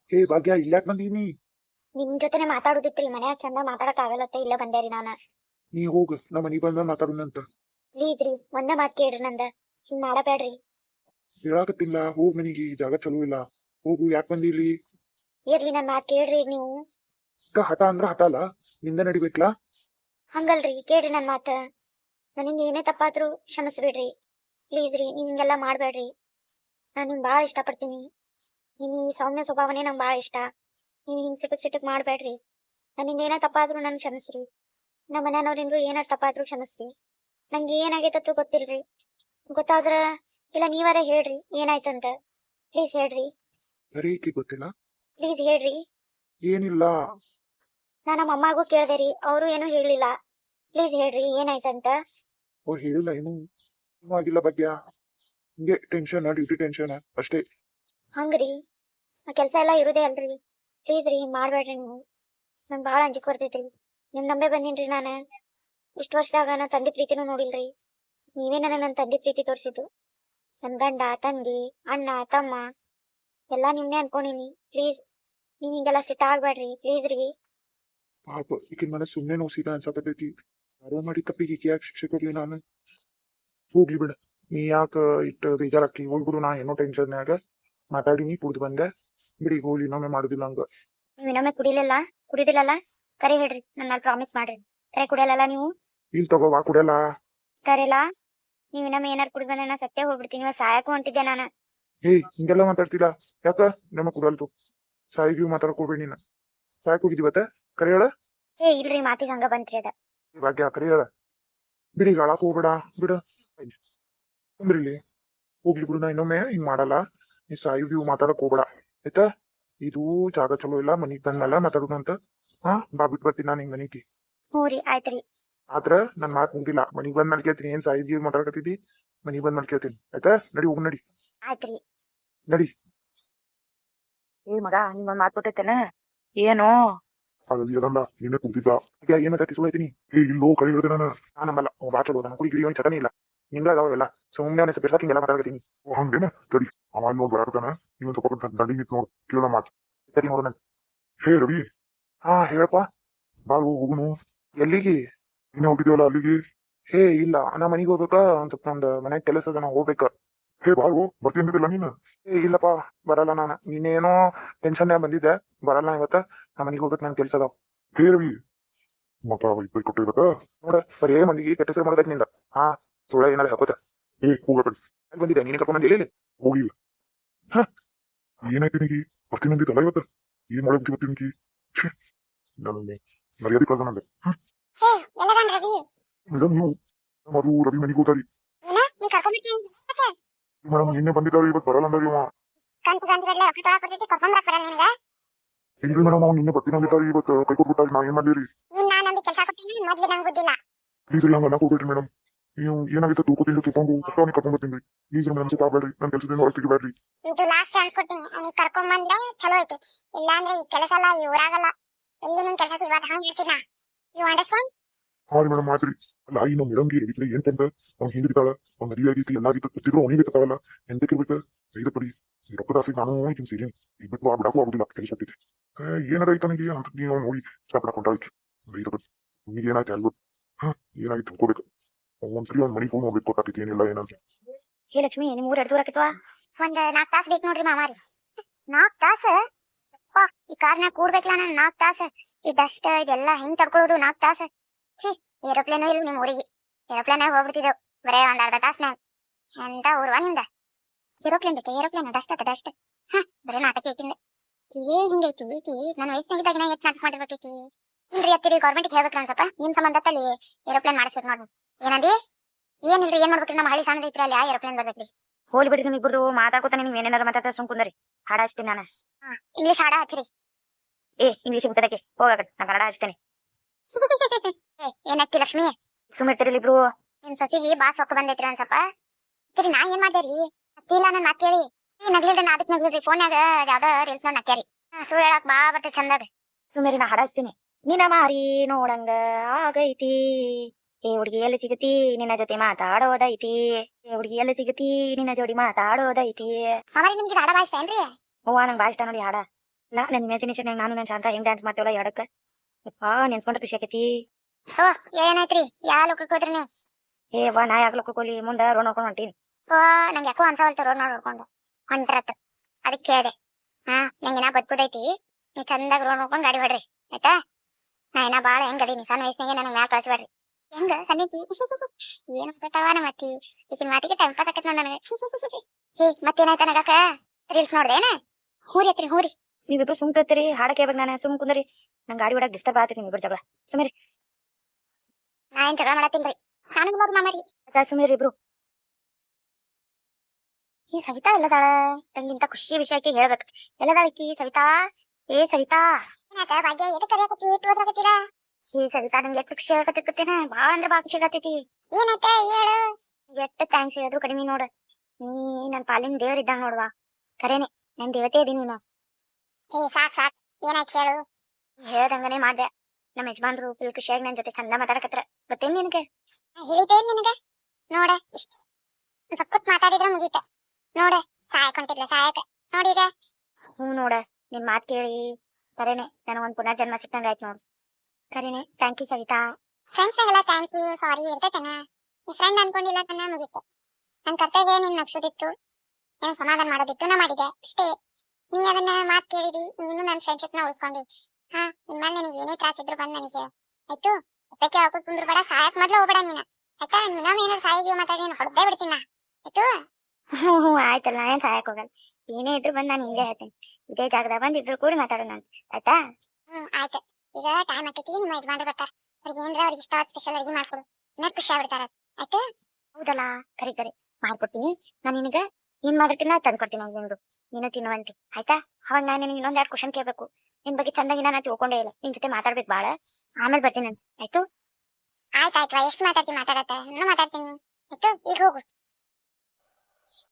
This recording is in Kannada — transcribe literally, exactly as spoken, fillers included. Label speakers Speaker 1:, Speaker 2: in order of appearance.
Speaker 1: ಹೇ ಭಾಗ್ಯ ಇಲ್ಲಾಕ್ ಬಂದೀನಿ.
Speaker 2: ನಿಮ್ ಜೊತೆನೆ ಮಾತಾಡುದಿತ್ರಿ ಮನ್ಯಾಗ ಚಂದ ಮಾತಾಡಕ್ ಆಗಲತ್ತ ಇಲ್ಲ ಬಂದೇರಿ ನಾನ.
Speaker 1: ನೀ ಹೋಗ ನಮ್ಮ ಮನಿ ಬಂದ ಮಾತಾಡೋಣಂತ.
Speaker 2: ಪ್ಲೀಸ್ ರೀ ಒಂದ ಮಾತ್ ಕೇಳ್ರಿ ನಂದ, ಹಿಂಗ್ ಮಾಡಬೇಡ್ರಿ.
Speaker 1: ಹೇಳಾಕತ್ತಿಲ್ಲ ಹೋಗ್ ಮನಿಗೆ, ಈ ಜಾಗ ಚಲೋ ಇಲ್ಲ. ಹೋಗು, ಯಾಕೆ ಬಂದಿ ಇಲ್ಲಿ?
Speaker 2: ಇರ್ಲಿ ನನ್ ಮಾತ್ ಕೇಳ್ರಿ ಈಗ ನೀವು.
Speaker 1: ಅಕ್ಕ ಹಠ ಅಂದ್ರ ಹಠ ಅಲ್ಲ, ನಿಂದ ನಡಿಬೇಕಲ್ಲ.
Speaker 2: ಹಂಗಲ್ರಿ ಕೇಳ್ರಿ ನನ್ ಮಾತ. ನನ್ನಿಂದ ಏನೇ ತಪ್ಪಾದ್ರೂ ಕ್ಷಮಿಸ್ಬಿಡ್ರಿ. ಪ್ಲೀಸ್ ರೀ ನೀವ್ ಹಿಂಗೆಲ್ಲ ಮಾಡ್ಬೇಡ್ರಿ. ನಾನು ನಿಮ್ಗೆ ಭಾಳ ಇಷ್ಟಪಡ್ತೀನಿ. ನಿಮ್ ಈ ಸೌಮ್ಯ ಸ್ವಭಾವನೇ ನಂಗೆ ಭಾಳ ಇಷ್ಟ. ನೀವು ಹಿಂಗೆ ಸಿಟಕ್ ಸಿಟಕ್ ಮಾಡಬೇಡ್ರಿ. ನನ್ನಿಂದ ಏನೇ ತಪ್ಪಾದ್ರೂ ನನ್ಗೆ ಕ್ಷಮಿಸ್ರಿ. ನಮ್ಮ ಮನೆಯವ್ರಿಂದ ಏನಾರು ತಪ್ಪಾದ್ರೂ ಕ್ಷಮಿಸ್ರಿ. ನಂಗೆ ಏನಾಗೈತತ್ತು ಗೊತ್ತಿಲ್ರಿ. ಗೊತ್ತಾದ್ರ ಇಲ್ಲ ನೀವಾರ ಹೇಳ್ರಿ ಏನಾಯ್ತಂತ. ಪ್ಲೀಸ್ ಹೇಳ್ರಿ.
Speaker 1: ಬರೀ ಈಕಿ ಗೊತ್ತಿಲ್ಲ.
Speaker 2: ಪ್ಲೀಸ್ ಹೇಳ್ರಿ.
Speaker 1: ಏನಿಲ್ಲ.
Speaker 2: ನಾ ನಮ್ಮ ಅಮ್ಮಗೂ ಕೇಳ್ದೆ ರೀ, ಅವರು ಏನೂ ಹೇಳಲಿಲ್ಲ. ಪ್ಲೀಸ್ ಹೇಳ್ರಿ ಏನಾಯ್ತಂತ.
Speaker 1: ಅವ್ರು ಹೇಳಿಲ್ಲ ಏನು ಏನೂ ಆಗಿಲ್ಲ ಭಾಗ್ಯ. ಹಿಂಗೆ ಟೆನ್ಷನ್, ಡ್ಯೂಟಿ ಟೆನ್ಷನ್ ಅಷ್ಟೇ.
Speaker 2: ಹಂಗ್ರಿ ಆ ಕೆಲಸ ಎಲ್ಲ ಇರೋದೇ ಅಲ್ರಿ. ಪ್ಲೀಸ್ ರೀ ಹಿಂಗೆ ಮಾಡಬೇಡ್ರಿ ನೀವು. ನಂಗೆ ಭಾಳ ಅಂಜಿಕೆ ಬರ್ತೈತ್ರಿ. ನಿಮ್ಮ ನಂಬೆ ಬಂದೀನಿ ನಾನು. ಇಷ್ಟು ವರ್ಷದಾಗ ನನ್ನ ತಂದೆ ಪ್ರೀತಿನೂ ನೋಡಿಲ್ರಿ. ನೀವೇ ನನ್ನ ನನ್ನ ತಂದೆ ಪ್ರೀತಿ ತೋರಿಸಿದ್ದು. ನನ್ನ ಗಂಡ ತಂಗಿ ಅಣ್ಣ ತಮ್ಮ ಎಲ್ಲ ನಿಮ್ಮನ್ನೇ ಅನ್ಕೊಂಡಿನಿ. ಪ್ಲೀಸ್ ನೀವು ಹಿಂಗೆಲ್ಲ ಸಿಟ್ಟ ಆಗ್ಬೇಡ್ರಿ ಪ್ಲೀಸ್ ರೀ.
Speaker 1: ಪಾಪ ಈಕಿನ ಮನಸ್ಸು ಸುಮ್ಮನೆ ನೋಸಿದ ಅನ್ಸಕತ್ತೈತಿ. ಯಾರೋ ಮಾಡಿ ತಪ್ಪಿಗೆ ಈಕೆ ಯಾಕೆ ಶಿಕ್ಷೆ ಕೊಡ್ಲಿ ನಾನು? ಹೋಗ್ಲಿ ಬಿಡ, ನೀ ಯಾಕ ಇಟ್ಟು ಬೇಜಾರಾಕಿ? ಹೋಗ್ಬಿಡು, ನಾ ಏನೋ ಟೆನ್ಷನ್ಯಾಗ ಮಾತಾಡಿನಿ, ಕುಡ್ದು ಬಂದೆ. ಬಿಡಿ ಹೋಗ್ಲಿ, ಇನ್ನೊಮ್ಮೆ ಮಾಡುದಿಲ್ಲ ಹಂಗ.
Speaker 2: ನೀವು ಇನ್ನೊಮ್ಮೆ ಕುಡಿಲಿಲ್ಲ ಕುಡಿದಿಲ್ಲಲ್ಲ? ಕರೆ ಹೇಳ್ರಿ, ನನ್ನ ಪ್ರಾಮಿಸ್ ಮಾಡ್ರಿ. ಕರೆ ಕುಡಿಯಲ್ಲ ನೀವು?
Speaker 1: ಇಲ್ಲಿ ತಗೋವಾ, ಕುಡಿಯಲ್ಲ.
Speaker 2: ಕರೆಲ್ಲ ನೀವು ಇನ್ನೊಮ್ಮೆ ಏನಾರು ಕುಡಿದು ಬಂದ್ರೆ ನಾನು ಸತ್ತೇ ಹೋಗ್ಬಿಡ್ತೀನಿ. ಇವಾಗ ಸಾಯಕ್ಕೂ ಹೊಂಟಿದ್ದೆ ನಾನು.
Speaker 1: ಏಯ್ ಹಿಂಗೆಲ್ಲ ಮಾತಾಡ್ತಿಲ್ಲ ಯಾಕ? ನಮ್ಮ ಕುಡಲ್ತು ಸಾಯಿಗೂ ಮಾತಾಡಕ್ ಹೋಗ್ಬೇಡಿ. ನೀನು ಸಾಯಕ್ ಹೋಗಿದ್ದೀವತ್ತ? ಕರೆ ಹೇಳ.
Speaker 2: ಏ ಇಲ್ರಿ ಮಾತಿಗೆ ಹಂಗ ಬಂತ್ರಿ ಅದ.
Speaker 1: ಭಾಗ್ಯ ಕರೆ ಹೇಳ. ಬಿಡಿ ಗಾಳಾಕ್ ಹೋಗ್ಬೇಡ ಬಿಡ. ಅಂದ್ರಿಲ್ಲಿ ಹೋಗ್ಲಿ ಬಿಡು, ನಾ ಇನ್ನೊಮ್ಮೆ ಹಿಂಗ್ ಮಾಡಲ್ಲ. ನೀ ಸಾಯಿಗೂ ಮಾತಾಡಕ್ ಹೋಗ್ಬೇಡ ಆಯ್ತಾ? ಇದು ಜಾಗ ಚಲೋ ಇಲ್ಲ, ಮನಿಗ್ ಬಂದ್ಮೇಲೆ ಮಾತಾಡುದಂತ. ಹಾ ಬಾ, ಬಿಟ್ಟು ಬರ್ತೀನಿ ನಾನು ಹಿಂಗ್ ಮನಿಗೆ.
Speaker 2: ಹ್ಞೂ ರೀ ಆಯ್ತ್ರಿ.
Speaker 1: ಆದ್ರ ನನ್ ಮಾತ್ ಮುಗಿಲ್ಲ. ಮನಿಗ್ ಬಂದ್ಮೇಲೆ ಕೇಳ್ತೀನಿ ಏನ್ ಸಾಯಿಗೂ ಮಾತಾಡಕತ್ತಿದ್ದಿ. ಮನಿಗ್ ಬಂದ್ಮೇಲೆ ಕೇಳ್ತೀನಿ ಆಯ್ತಾ? ನಡಿ ಹೋಗ್, ನಡಿ
Speaker 2: ಆಯ್ತ್ರಿ.
Speaker 1: ನಡಿ.
Speaker 3: ಏ ಮಗ, ನಿಂಗೊಂದ್ ಮಾತು ಗೊತ್ತೈತೇನ? ಏನು
Speaker 1: ಹಾಗಾಗಿ ಅದಲ್ಲ ನಿನ್ನೆ ಕುಂತಿದ್ದ. ಈಗ ಏನ್ ಮಾತಾಡ್ತಿ ಸುಳ್ಳು ಏ ಇಲ್ಲೋ ಕೈ ಹಿಡಿದೆ ನಾನು. ನಾನಂಬಲ್ಲ, ಅವ್ ಬಾ ಚಲೋ, ನನ್ನ ಕುಡಿ ಗಿಡಿ ಒಂದ್ ಚಟನಿ ಇಲ್ಲ. ನಿಂಗ ಅದಾವೆಲ್ಲ ಸುಮ್ಮನೆ ಅವನ ಬಿಡ್ಸಾಕ ಹಿಂಗೆಲ್ಲ ಮಾತಾಡ್ತೀನಿ. ಹಂಗೇನ? ತಡಿ, ಅವ ನೋಡ್ ಬರಾಕತ್ತಾನ. ನೀವೊಂದ್ ಸ್ವಲ್ಪ ದಂಡಿ ನಿಂತ್ ನೋಡ್, ಕೇಳೋ ಮಾತು. ಸರಿ ನೋಡು ನನ್. ಹೇ ರವಿ. ಹಾ ಹೇಳಪ್ಪ. ಬಾ ಹೋಗುನು. ಎಲ್ಲಿಗೆ? ನೀನೇ ಹೋಗಿದ್ದೀವಲ್ಲ ಅಲ್ಲಿಗೆ. ಹೇ ಇಲ್ಲ, ನಾ ಮನಿಗೆ ಹೋಗ್ಬೇಕಾ, ಒಂದ್ ಸ್ವಲ್ಪ ನಮ್ದು ಮನ್ಯಾಗ ಕೆಲಸ ಅದ, ನಾ ಹೋಗ್ಬೇಕ. ಹೇ ಬಾವು ಬರ್ತೀನಿಲ್ಲ ನೀನು? ಏ ಇಲ್ಲಪ್ಪ ಬರಲ್ಲ ನಾನು. ನೀನೇನೋ ಟೆನ್ಷನ್ ಬಂದಿದ್ದೆ, ಬರಲ್ಲ ಇವತ್ತ. ನಾ ಮನಿಗೆ ಹೋಗ್ಬೇಕು, ನನ್ ಕೆಲ್ಸ ಅದಾವ. ಹೇ ರವಿ ಮತ್ತ ಬೈ ಕೊಟ್ಟೆ ಇವತ್ತ. ನೋಡ ಬರೀ ಮಂದಿಗೆ ಕೆಟ್ಟ ಹೆಸರು ಮಾಡೋದಕ್ಕೆ ನಿಂದ. ಹಾ ಸುಳ್ಳ ಏನಾರ ಹಾಕೋತ. ಏ ಹೋಗಬೇಡಿ. ಅಲ್ಲಿ ಬಂದಿದ್ದೆ, ನೀನೇ ಕರ್ಕೊಂಡ್ ಬಂದಿಲ್ಲ. ಹೋಗಿಲ್ಲ. ಹ ಏನಾಯ್ತು ನಿಗಿ? ಬರ್ತೀನಿ ಅಂದಿದ್ದಲ್ಲ ಇವತ್ತ. ಏನ್ ಮಾಡಬೇಕು ಇವತ್ತಿನಕಿ? ನನ್ನ ಮರ್ಯಾದೆ ಕಳ್ದ ನಂದೆ.
Speaker 2: ಹೇ ಎಲ್ಲದಾನ್ ರವಿ?
Speaker 1: ಮೇಡಮ್ ನೀವು ಅದು ರವಿ ಮನಿಗೆ ಹೋದಾರಿ.
Speaker 2: ಏನ ನೀ ಕರ್ಕೊಂಡ್ಬಿಡ್ತೀನಿ ಮತ್ತೆ?
Speaker 1: ಮೇಡಮ್ ನಿನ್ನೆ ಬಂದಿದ್ದಾರಿ, ಇವತ್ತು ಬರಲ್ಲ ಅಂದಾರಿ ಅವ.
Speaker 2: ಕಂತು ಗಂಟಿರಲ್ಲ ರೊಕ್ಕ ತೊಗೊಳಕ್ ಬರ್ತೈತಿ, ಕರ್ಕೊಂಡ್ಬರಕ್ ಬರಲ್ಲ ನಿನಗ?
Speaker 1: ಇಲ್ರಿ ಮೇಡಮ್, ಅವ್ನು ನಿನ್ನೆ ಬರ್ತೀನಿ ಅಂದಿದ್ದಾರಿ, ಇವತ್ತು ಕೈ ಕೊಟ್ಬಿಟ್ಟಾರಿ. ನಾ ಏನ್ ಮಾಡ್ಲಿ?
Speaker 2: ನೀನ್ ನಾ ನಂಬಿ ಕೆಲಸ ಕೊಟ್ಟಿನಿ, ಮೊದ್ಲು ನಂಗೆ ಗೊತ್ತಿಲ್ಲ.
Speaker 1: ಪ್ಲೀಸ್ ರೀ, ಹಂಗ ಅನ್ನಕ್ ಹೋಗ್ಬೇಡ್ರಿ ಮೇಡಮ್. ನೀವು ಏನಾಗಿತ್ತು ತೂಕೋತಿಂದ ತಿಳ್ಕೊಂಡು ಅವ್ನಿಗೆ ಕರ್ಕೊಂಡ್ ಬರ್ತೀನಿ. ಪ್ಲೀಸ್ ಮೇಡಮ್, ಸಿಟ್ ಆಗ್ಬೇಡ್ರಿ, ನನ್ನ ಕೆಲಸದಿಂದ ಹೊರಗೆ ತೆಗಿಬೇಡ್ರಿ.
Speaker 2: ಇದು ಲಾಸ್ಟ್ ಚಾನ್ಸ್ ಕೊಡ್ತೀನಿ. ನೀ ಕರ್ಕೊಂಡ್ ಬಂದ್ರೆ ಚಲೋ ಐತಿ, ಇಲ್ಲ ಅಂದ್ರೆ ಈ ಕೆಲಸ ಎಲ್ಲ ಈ ಊರಾಗಲ್ಲ. ಎಲ್ಲಿ ನಿನ್ ಕೆಲಸ ಇವತ್ತು ಹಂಗ ಇರ್ತೀನ. You understand?
Speaker 1: ಹಾ ರೀ ಮೇಡಮ್, ಆತ್ರಿ. ಅಲ್ಲ ಈ ನಮ್ಮ ಮೇಡಮ್ಗೆ ರವಿತ್ಲೆ ಏನ್ ತಂದ? ಅವ್ನು ಹಿಂದಿರ್ತಾಳ, ಅವ್ನ ಮದುವೆ ಆಗೈತಿ, ಎಲ್ಲ ಆಗಿತ್ತು, ಗೊತ್ತಿದ್ರು ಅವನಿಗೆ ಗೊತ್ತಾವಲ್ಲ. ಎಂತಕ್ಕಿರ್ಬೇಕ? ಐದ ಪಡಿ ರೊಕ್ಕದ ಆಸೆಗೆ ನಾನು ಈಗಿನ ಸೇರಿನಿ. ಈಗ ಬಿಟ್ಟು ಬಿಡಕ್ಕೂ ಆಗುದಿಲ್ಲ, ಕೆಲಸ ಆಗ್ತೈತಿ. ಏನಾರ ಐತ ನನಗೆ ಅಂತ ನೀವು ನೋಡಿ ಸ್ಟಾಪ್ ಹಾಕೊಂಡ್ರಾಯ್ತು. ಐದ ಪಡಿ ನಿಮಗೆ ಏನಾಯ್ತು ಅಲ್ವ? ಹಾ ಏನಾಗಿತ್ತು ತಿಳ್ಕೋಬೇಕು. ಒಂದ್ಸರಿ ಅವ್ನ ಮನೆಗೆ ಫೋನ್ ಹೋಗ್ಬೇಕು, ಗೊತ್ತಾಗ್ತೈತಿ ಏನಿಲ್ಲ ಏನಂತ.
Speaker 2: ಹೇ ಲಕ್ಷ್ಮಿ, ನಿಮ್ ಊರ್ ಎಡ್ ದೂರ ಆಕೈತವ? ಒಂದ್ ನಾಲ್ಕು ತಾಸು ಬೇಕು ನೋಡ್ರಿ ಮಾಮಾರಿ. ನಾಲ್ಕು ತಾಸು? ಅಪ್ಪ ಈ ಕಾರ್ನಾಗ ಕೂಡ್ಬೇಕಲ್ಲ ನಾನು ನಾಲ್ಕು ತಾಸು. ಈ ಡಸ್ಟ್ ಇದೆಲ್ಲ ಹೆಂಗ್ ತಡ್ಕೊಳ್ಳೋದು ನಾಲ್ಕು ತಾಸು? ಛೀ, ಏರೋಪ್ಲೇನು ಇಲ್ಲ ನಿಮ್ ಊರಿಗೆ. ಏರೋಪ್ಲೇನಾಗ ಹೋಗ್ಬಿಡ್ತಿದ್ದೆವು ಬರೇ ಒಂದ್ ಅರ್ಧ ತಾಸ್ನಾಗ. ಎಂತ ಊರ್ವಾ ನಿಮ್ದ? ಏರೋಪ್ಲೇನ್ ಬೇಕಾ? ಏರೋಪ್ಲೇನ್ ಡಸ್ಟ್ ಆತ ಡಸ್ಟ್. ಹ ಬರೀ ನಾಟಕ ಐತಿಂದ. ಏ ಹಿಂಗೈತಿ ಈಕಿ ನನ್ನ ವಯಸ್ಸಿನಾಗಿದ್ದಾಗ ನಾ ಎಷ್ಟು ನಾಟಕ ಮಾಡಿರ್ಬೇಕೈತಿ. ಇಲ್ರಿ ಅತ್ತಿರಿ, ಗೌರ್ಮೆಂಟ್ಗೆ ಹೇಳ್ಬೇಕ್ರಿ ಒಂದ್ ಸ್ವಲ್ಪ. ನಿಮ್ ಸಂಬಂಧ ತಲ್ಲಿ ಏರೋಪ್ಲೇನ್ ಮಾಡಿಸ್ಬೇಕು ನೋಡ್ರಿ. ಏನಂದಿ? ಏನಿಲ್ರಿ, ಏನ್ ಮಾಡ್ಬೇಕ್ರಿ, ನಮ್ಮ ಹಳ್ಳಿ ಸಣ್ಣ ಐತ್ರಿ, ಅಲ್ಲಿ ಆ ಏರೋಪ್ಲೇನ್ ಬರ್ಬೇಕ್ರಿ.
Speaker 3: ಹೋಲಿ ಬಿಡ್ರಿ, ನಿಮ್ ಇಬ್ಬರದು ಮಾತಾಡ್ಕೊತಾನೆ. ನೀವ್ ಏನೇನಾರ ಮಾತಾಡ್ತಾ ಸುಮ್ಕುಂದರಿ. ಹಾಡ ಹಚ್ತೀನಿ ನಾನು.
Speaker 2: ಹಾ ಇಂಗ್ಲೀಷ್ ಹಾಡ ಹಚ್ಚ್ರಿ.
Speaker 3: ಏ ಇಂಗ್ಲೀಷ್ ಮುಟ್ಟದಕ್ಕೆ ಹೋಗಾಕ, ನಾ ಕನ್ನಡ ಹಚ್ತೇನೆ.
Speaker 2: ಏ ಏನತ್ತಿ ಲಕ್ಷ್ಮಿ?
Speaker 3: ಸುಮ್ಮಿರ್ತಿರಲಿ ಇಬ್ರು.
Speaker 2: ನಿಮ್ ಸೊಸಿಗೆ ಬಾ ಸೊಕ್ಕ ಬಂದೈತ್ರಿ ಒಂದ್ ಸ್ವಲ್ಪ. ಅತ್ತಿರಿ ನಾ ಏನ್ ಮಾಡ್ದೇರಿ? ಅತ್ತಿಲ್ಲ ನನ್ ಮಾತ್ ಕೇಳಿ. ಏ ನಗ್ಲಿಲ್ರಿ, ನಾ ಅದಕ್ಕೆ ನಗ್ಲಿಲ್ರಿ. ಫೋನ್ಯಾಗ ಯಾವ್ದೋ ರೀಲ್ಸ್ ನೋಡಿ ನಕ್ಕ್ಯಾರಿ. ಹಾ ಸುಳ್ಳು ಹೇಳಕ್ ಬಾ ಬರ್ತೈತಿ ಚಂದದ.
Speaker 3: ಸುಮ್ಮಿರಿ, ನಾ ಹಾಡ ಹಚ್ತೀನಿ. ನಿನ್ನ ಮಾರಿ ನೋಡಂಗ ಆಗೈತಿ, ಏ ಹುಡ್ಗಿ ಎಲ್ಲಿ ಸಿಗತಿ ನಿನ್ನ ಜೊತೆ ಮಾತಾಡೋದೈತಿ, ಏ ಹುಡ್ಗಿ ಎಲ್ಲಿ ಸಿಗತಿ ನಿನ್ನ ಜೋಡಿ ಮಾತಾಡೋದೈತಿ.
Speaker 2: ಮಾಮಾರಿ ನಿಮ್ಗೆ ಹಾಡ ಬಾ ಇಷ್ಟ ಏನ್ರಿ?
Speaker 3: ಹೂವ ನಂಗೆ ಬಾ ಇಷ್ಟ ನೋಡಿ ಹಾಡ. ಇಲ್ಲ ನನ್ನ ಇಮ್ಯಾಜಿನೇಷನ್ ನಾನು ನನ್ನ ಶಾಂತ ಹೆಂಗ್ ಡ್ಯಾನ್ಸ್ ಮಾಡ್ತೇವಲ್ಲ ಎರಡಕ್ಕ ಯಪ್ಪ ನೆನ್ಸ್ಕೊಂಡ್ರೆ ಖುಷಿ ಆಕೈತಿ.
Speaker 2: ಓ ಏನಾಯ್ತ್ರಿ ಯಾ ಲೋಕಕ್ಕೆ ಹೋದ್ರಿ ನೀವು?
Speaker 3: ಏ ವಾ ನಾ ಯಾಕೆ ಕೋಲಿ ಮುಂದೆ ರೋಡ್ ನೋಡ್ಕೊಂಡು ಹೊಂಟೀನಿ.
Speaker 2: ಓ ನಂಗೆ ಯಾಕೋ ಅನ್ಸವಲ್ತು ರೋಡ್ ನೋಡ್ಕೊಂಡು ಹೊಂಟ್ರತ್ ಅದಕ್ಕೆ ಕೇಳಿದೆ. ಹಾ ನಂಗೆ ನಾ ಬದುಕುದೈತಿ, ನೀವು ಚಂದಾಗ ರೋಡ್ ನೋಡ್ಕೊಂಡು ಗಾಡಿ ಹೊಡ್ರಿ ಆಯ್ತಾ. ನಾ ಏನ ಬಾಳ ಹೆಂಗ್ ಅದೀನಿ ಸಣ್ಣ ವಯಸ್ಸಿನಾಗೆ ನನಗೆ ಮ್ಯಾಲ ಕಳ್ಸಿ ಹೆಂಗ ಸಣ್ಣಕಿ ಏನು ಮಾತಾಡ್ತಾವ ನಮ್ಮ ಅತ್ತಿ ಈಗಿನ ಮಾತಿಗೆ ಟೈಮ್ ಪಾಸ್ ಆಕೈತಿ ನೋಡ್ ನನಗೆ. ಹೇ ಮತ್ತೇನಾಯ್ತ ನಗಕ ರೀಲ್ಸ್ ನೋಡ್ದೇನ? ಹೂರಿ ಹತ್ರಿ ಹೂರಿ.
Speaker 3: ನೀವಿಬ್ರು ಸುಮ್ ತತ್ತೀರಿ ಹಾಡ ಕೇಳ್ಬೇಕು. ನಾನು ಸುಮ್ ಕುಂದ್ರಿ ನಂಗೆ ಗಾಡಿ ಹೊಡಕ್ ಡಿಸ್ಟರ್ಬ್ ಆಗ್ತೈತಿ ನಿಮ್ಮಿಬ್ರು ಜಗಳ. ಸುಮಿರಿ
Speaker 2: ನಾ ಏನ್ ಜಗಳ ಮಾಡತ್ತೀನ್ರಿ, ನಾನು ಇಲ್ಲ ಮಾಮರಿ.
Speaker 3: ಸುಮಿರಿ ಇಬ್ರು.
Speaker 2: ಈ ಸವಿತಾ ಎಲ್ಲದಾಳ? ತಂಗಿಂತ ಖುಷಿ ವಿಷಯಕ್ಕೆ ಹೇಳ್ಬೇಕು. ಎಲ್ಲದಾಳಕಿ ಸವಿತಾ? ಏ ಸವಿತಾ ಏನಾತ ಭಾಗ್ಯ ಎದಕ್ಕೆ ಕರಿಯಾಕತ್ತಿ ಇಟ್ಟು ಹೋದ್ರಾಕತ್ತೀರಾ? ಈ ಸವಿತಾ ನಂಗೆ ಎಷ್ಟು ಖುಷಿ ಆಗತ್ತಿರ್ತೇನೆ, ಭಾಳ ಅಂದ್ರೆ ಭಾಳ ಖುಷಿ ಆಗತೈತಿ. ಏನಾಯ್ತ ಹೇಳು. ಎಷ್ಟು ಥ್ಯಾಂಕ್ಸ್ ಹೇಳಿದ್ರು ಕಡಿಮೆ ನೋಡು, ನೀ ನನ್ನ ಪಾಲಿನ ದೇವ್ರ ಇದ್ದಂಗ ನೋಡುವ. ಕರೇನೆ ನನ್ ದೇವತೆ ಇದೀನಿ ನೀನು. ಏ ಸಾಕ್ ಸಾಕ್ ಏನಾಯ್ತು ಹೇಳು. ಹೇಳ್ದಂಗನೆ ಮಾಡ್ದೆ. ನಮ್ಮ ಯಜಮಾನ್ರು ಫುಲ್ ಖುಷಿಯಾಗಿ ನನ್ ಜೊತೆ ಚಂದ ಮಾತಾಡಕತ್ರ ಗೊತ್ತೇನ್ ನಿನಗೆ? ಹೇಳಿದ್ದೇನ್ ನಿನಗೆ? ನೋಡ ಇಷ್ಟ ಸಕ್ಕತ್ ಮಾತಾಡಿದ್ರೆ ಮುಗೀತ. ನೋಡ ಸಹಾಯಕ್ ಹೊಂಟಿದ್ಲ ಸಹಾಯಕ ನೋಡೀಗ.
Speaker 3: ಹ್ಞೂ ನೋಡ ನಿನ್ ಮಾತು ಕೇಳಿ ಕರೇನೆ ನನಗೊಂದು ಪುನರ್ಜನ್ಮ ಸಿಕ್ಕಂಗ ಆಯ್ತು ನೋಡು. ಕರೇನೆ ಥ್ಯಾಂಕ್ ಯು ಸವಿತಾ.
Speaker 2: ಫ್ರೆಂಡ್ಸ್ ನಾಗೆಲ್ಲ ಥ್ಯಾಂಕ್ ಯು ಸಾರಿ ಇರ್ತೈತನ. ಈ ಫ್ರೆಂಡ್ ಅನ್ಕೊಂಡಿಲ್ಲ ತನ್ನ ಮುಗೀತು. ನನ್ ಕರ್ತವ್ಯ ನಿನ್ ನಗ್ಸೋದಿತ್ತು, ಏನ್ ಸಮಾಧಾನ ಮಾಡೋದಿತ್ತು, ನಾ ಮಾಡಿದೆ ಅಷ್ಟೇ. ನೀ ಅದನ್ನ ಮಾತು ಕೇಳಿದಿ, ನೀನು ನನ್ನ ಫ್ರೆಂಡ್ಶಿಪ್ ನ ಉಳಿಸ್ಕೊಂಡಿ. ಹಾ ಇನ್ಮೇಲೆ ನನಗೆ ಏನೇ ತ್ರಾಸ ಇದ್ರು ಬಂದ್ ನನಗೆ ಆಯ್ತು. ಒಪ್ಪಕ್ಕೆ ಹಾಕೋದ್ ಕುಂದ್ರು ಬೇಡ, ಸಾಯಕ್ ಮೊದ್ಲು ಹೋಗ್ಬೇಡ ನೀನ ಆಯ್ತಾ. ನೀನೊಮ್ಮೆ ಏನಾದ್ರು ಸಾಯಿಗೆ ಮಾತಾಡಿ ನೀನು ಹೊಡೆದೇ ಬಿಡ್ತೀನ ಆಯ್ತು.
Speaker 3: ಹ್ಞೂ ಹ್ಞೂ ಆಯ್ತಲ್ಲ, ಏನ್ ಸಹಾಯಕ್ ಹೋಗಲ್ಲ. ಏನೇ ಇದ್ರು ಬಂದು ನಾನು ಹಿಂಗೆ ಹೇಳ್ತೇನೆ, ಇದೇ ಜಾಗದಾಗ ಬಂದು ಇದ್ರು ಕೂಡ ಮಾತಾಡೋಣ ಅಂತ ಆಯ್ತಾ.
Speaker 2: ಹ್ಮ್ ಆಯ್ತು. ಈಗ ಟೈಮ್ ಆಗ್ತೈತಿ, ನಿಮ್ಮ ಯಜಮಾನ್ರು ಬರ್ತಾರ. ಅವ್ರಿಗೆ ಏನ್ರ ಅವ್ರಿಗೆ ಇಷ್ಟ ಸ್ಪೆಷಲ್ ಅಡಿಗೆ ಮಾಡ್ಕೊಡು, ಇನ್ನೂ ಖುಷಿ ಆಗ್ಬಿಡ್ತಾರ ಆಯ್ತು.
Speaker 3: ಹೌದಲ್ಲ ಕರಿ ಕರಿ ಮಾಡ್ಕೊಡ್ತೀನಿ. ನಾನು ನಿನಗೆ ಏನ್ ಮಾಡಿರ್ತೀನಿ ತಂದು ಕೊಡ್ತೀನಿ ನಿಮ್ದು, ನೀನು ತಿನ್ನುವಂತಿ ಆಯ್ತಾ. ಅವಾಗ ನಾನು ನಿನಗೆ ಇನ್ನೊಂದ್ ಎರಡು ಕ್ವಶನ್ ಕೇಳ್ಬೇಕು. ನಿನ್ ಬಗ್ಗೆ ಚಂದಾಗಿ ನಾನು ತಿಳ್ಕೊಂಡೇ ಇಲ್ಲ, ನಿನ್ ಜೊತೆ ಮಾತಾಡ್ಬೇಕು ಬಾಳ. ಆಮೇಲೆ ಬರ್ತೀನಿ ನಾನು ಆಯ್ತು.
Speaker 2: ಆಯ್ತಾಯ್ತು ಎಷ್ಟು ಮಾತಾಡ್ತೀನಿ ಮಾತಾಡತ್ತೆ ನಾನು ಮಾತಾಡ್ತೀನಿ ಆಯ್ತು. ಈಗ ಹೋಗು.